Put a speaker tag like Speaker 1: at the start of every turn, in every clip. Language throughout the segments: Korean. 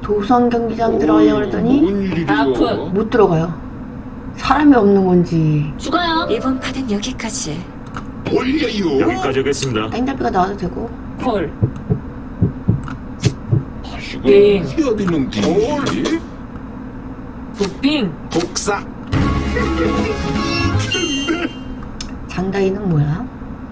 Speaker 1: 도선 경기장 들어가려고 그랬더니
Speaker 2: 뭔 일이야?
Speaker 1: 못 들어가요. 사람이 없는 건지.
Speaker 3: 죽어요.
Speaker 4: 이번 판은 여기까지.
Speaker 2: 올려요.
Speaker 5: 여기까지 하겠습니다.
Speaker 1: 땡달비가 나와도 되고.
Speaker 3: 콜.
Speaker 2: 이거
Speaker 3: 띵.
Speaker 2: 해야 되는데.
Speaker 3: 굿빙.
Speaker 2: 복사.
Speaker 1: 장다이는 뭐야?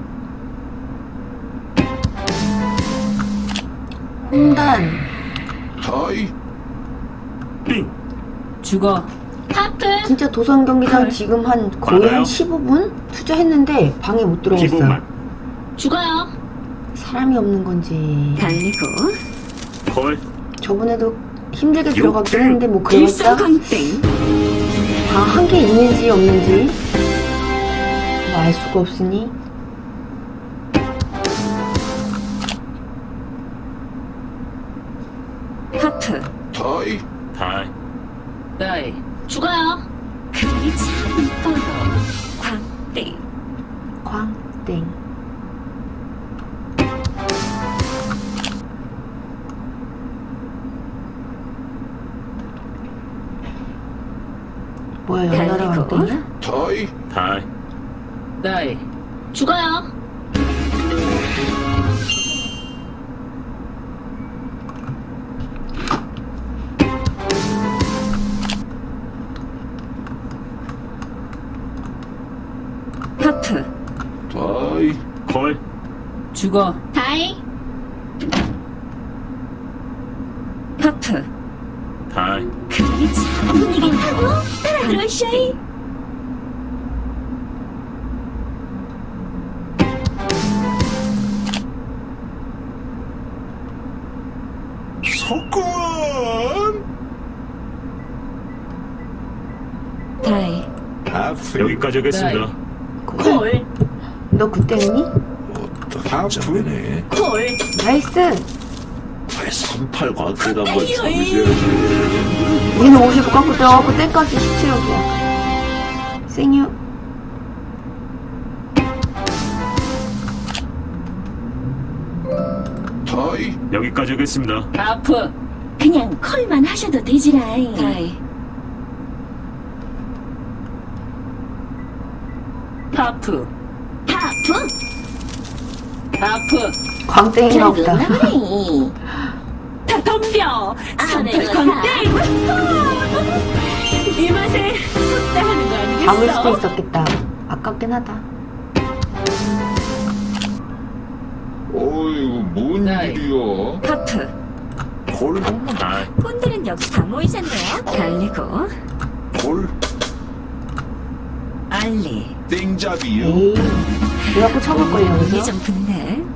Speaker 1: 홍단.
Speaker 2: 다이.
Speaker 5: 빙.
Speaker 3: 죽어. 하프.
Speaker 1: 진짜 도선 경기장
Speaker 3: 헐.
Speaker 1: 지금 한 거의
Speaker 5: 맞아요.
Speaker 1: 한 15분 투자했는데 방에 못 들어갔어요.
Speaker 5: 기본만.
Speaker 3: 죽어요.
Speaker 1: 사람이 없는 건지.
Speaker 4: 달리고
Speaker 5: 콜.
Speaker 1: 저번에도 힘들게 들어가긴
Speaker 5: 육등.
Speaker 1: 했는데 뭐 그러겠다.
Speaker 4: 일성광땡.
Speaker 1: 방 한 개 있는지 없는지 뭐 알 수가 없으니.
Speaker 4: 하프.
Speaker 2: 다이.
Speaker 5: 다이.
Speaker 3: 나이. 죽어요.
Speaker 4: 그림이 참 이뻐요. 광땡.
Speaker 1: 광땡. 뭐야 연나라
Speaker 4: 달리고.
Speaker 1: 광땡이야?
Speaker 2: 다이.
Speaker 5: 다이.
Speaker 3: 나이. 죽어요.
Speaker 4: 하프.
Speaker 2: 다이.
Speaker 5: 콜.
Speaker 3: 죽어. 다이.
Speaker 4: 하프.
Speaker 5: 다이.
Speaker 4: 그림이 참 분위기 하고 따라들어쇼이.
Speaker 2: 석권.
Speaker 4: 다이.
Speaker 2: 하프.
Speaker 5: 여기까지 하겠습니다.
Speaker 3: 콜.
Speaker 1: 너 그때 했니?
Speaker 2: 하프네.
Speaker 3: 콜.
Speaker 1: 나이스!
Speaker 2: 왜 38 관계가 한번 잡으셔야지.
Speaker 1: 얘는 50 깎고 들어가고 때까지 17억이야. 생유.
Speaker 2: 다이.
Speaker 5: 여기까지 하겠습니다.
Speaker 3: 하프.
Speaker 4: 그냥 콜만 하셔도 되지라이. 다이.
Speaker 3: 하프.
Speaker 4: 하프.
Speaker 3: 하프.
Speaker 1: 광땡이가 없다.
Speaker 3: 다 덤벼.
Speaker 4: 내가
Speaker 3: 광땡. 이 맛에 쏟다 하는 거 아니겠어?
Speaker 1: 잡을 수도 있었겠다. 아깝긴 하다.
Speaker 2: 어이구, 뭔
Speaker 3: 다이.
Speaker 2: 일이야?
Speaker 4: 하프.
Speaker 2: 콜.
Speaker 5: 다이.
Speaker 4: 폰들은 여기 다 모이셨네요. 달리고
Speaker 2: 콜.
Speaker 4: 알리.
Speaker 2: 땡잡이요.
Speaker 1: 에이. 그래갖고 쳐볼걸요,
Speaker 4: 운이
Speaker 1: 여기서?
Speaker 4: 좀 붙네.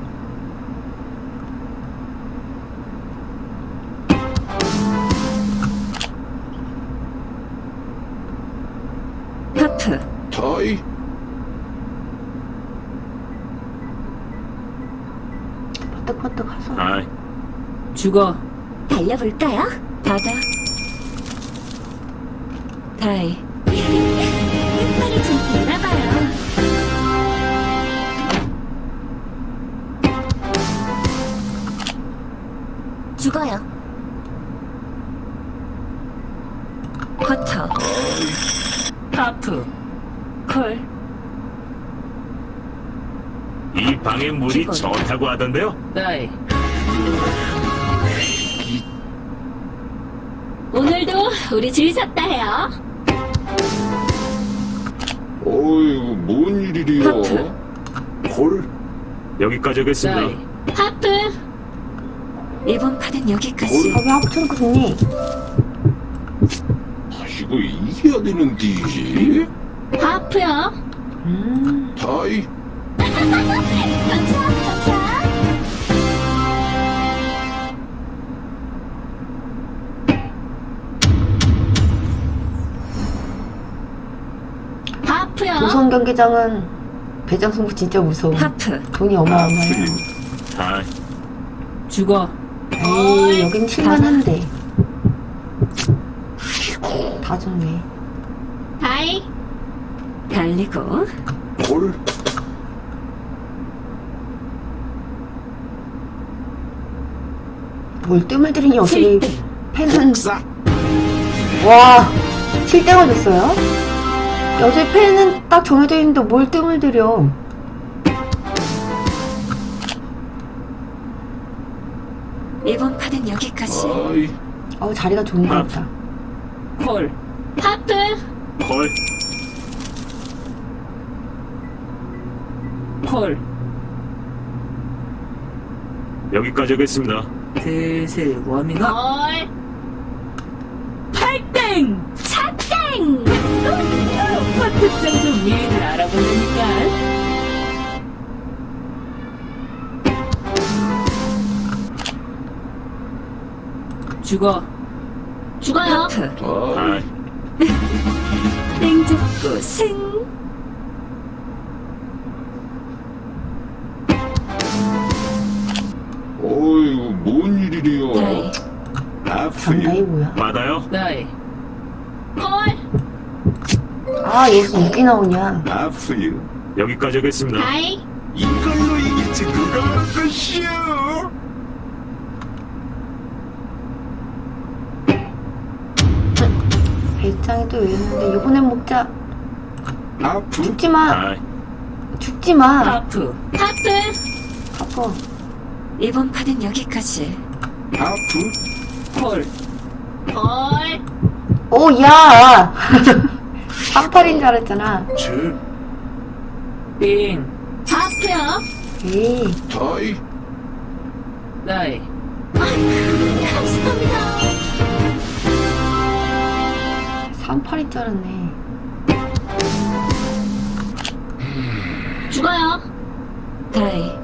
Speaker 4: 하프.
Speaker 2: 다이.
Speaker 1: 퍼뜩퍼뜩 하서.
Speaker 5: 다이.
Speaker 3: 죽어.
Speaker 4: 달려볼까요? 바다. 다이. 햇살이 좀 있나봐요. 죽어요. 커터.
Speaker 3: 하프.
Speaker 4: 콜.
Speaker 5: 이 방의 물이
Speaker 4: 기본.
Speaker 5: 좋다고 하던데요.
Speaker 3: 나이. 오늘도 우리 줄 섰다 해요.
Speaker 2: 어이구, 뭔 일이야?
Speaker 4: 하프.
Speaker 2: 콜.
Speaker 5: 여기까지 하겠습니다.
Speaker 3: 나이. 하프.
Speaker 4: 이번 판은 여기까지.
Speaker 1: 왜 합쳐놓고 좋니?
Speaker 2: 이거 이겨야 되는데.
Speaker 3: 하프요.
Speaker 2: 다이.
Speaker 3: 하프요.
Speaker 1: 도선 경기장은 배장 승부 진짜 무서워.
Speaker 4: 하프.
Speaker 1: 돈이 어마어마해.
Speaker 5: 다이.
Speaker 3: 죽어.
Speaker 1: 에이, 여긴 칠만한데. 다 좋네.
Speaker 3: 다이.
Speaker 4: 달리고
Speaker 2: 콜.
Speaker 1: 뭘 뜸을 들이니 어떻게.
Speaker 4: 7등.
Speaker 1: 펜은
Speaker 2: 싸.
Speaker 1: 와 7땡을 줬어요? 여제 펜은 딱 정해져 있는데 뭘 뜸을 들여.
Speaker 4: 이번 판은 여기까지.
Speaker 2: 아이,
Speaker 1: 자리가 좋은 것 같다.
Speaker 3: 콜. 하프.
Speaker 5: 콜.
Speaker 3: 콜.
Speaker 5: 여기까지 하겠습니다.
Speaker 3: 슬슬 워밍업. 콜. 8땡.
Speaker 4: 4땡!
Speaker 3: 퍼트 정도 미리들 알아보니까. 죽어. 죽어요.
Speaker 4: 하프.
Speaker 2: 아이,
Speaker 5: 다이.
Speaker 4: 땡 잡고 승.
Speaker 2: 어이구, 뭔 일이래요.
Speaker 4: 다이.
Speaker 1: 장다이
Speaker 2: 아프요.
Speaker 1: 뭐야?
Speaker 5: 받아요.
Speaker 3: 나이. 콜.
Speaker 1: 아 여기서 이게 나오냐.
Speaker 2: 아프요.
Speaker 5: 여기까지 하겠습니다.
Speaker 3: 다이.
Speaker 2: 이걸로 이기지, 그거 것이요.
Speaker 1: 배짱이 또 이랬는데 이번엔 먹자.
Speaker 2: 아프.
Speaker 1: 죽지마.
Speaker 5: 다이.
Speaker 1: 죽지마.
Speaker 3: 하프. 하프.
Speaker 1: 아파.
Speaker 4: 이번 판은 여기까지.
Speaker 2: 아프.
Speaker 3: 콜. 콜.
Speaker 1: 오야 38인 줄 알았잖아.
Speaker 2: 제,
Speaker 3: 빙. 하프요.
Speaker 1: 에이
Speaker 2: 다이.
Speaker 3: 나이.
Speaker 4: 감사합니다.
Speaker 1: 38인 줄 알았네.
Speaker 3: 죽어요.
Speaker 4: 다이.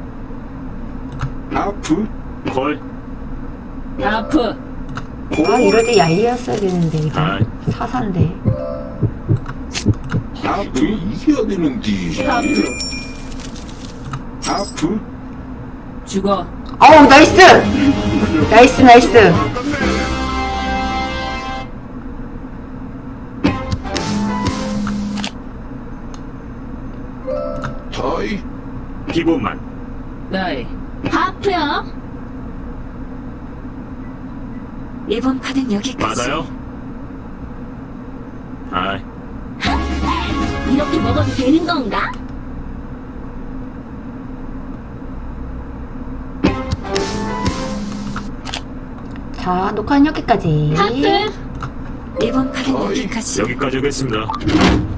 Speaker 2: 아프.
Speaker 5: 콜.
Speaker 3: 하프.
Speaker 1: 아 이럴 때 얄리였어야 되는데 이거
Speaker 5: 다이.
Speaker 1: 사사인데.
Speaker 2: 아프. 이겨야 되는데.
Speaker 3: 하프.
Speaker 2: 아프.
Speaker 3: 죽어.
Speaker 1: 어우 나이스. 나이스.
Speaker 2: 다이.
Speaker 5: 기본만.
Speaker 3: 나이. 하프요.
Speaker 4: 이번 판은 여기까지.
Speaker 5: 받아요. 다이.
Speaker 4: 이렇게 먹어도 되는 건가?
Speaker 1: 자 녹화는 여기까지.
Speaker 3: 하프.
Speaker 4: 이번 판은
Speaker 2: 다이.
Speaker 4: 여기까지.
Speaker 5: 여기까지 하겠습니다.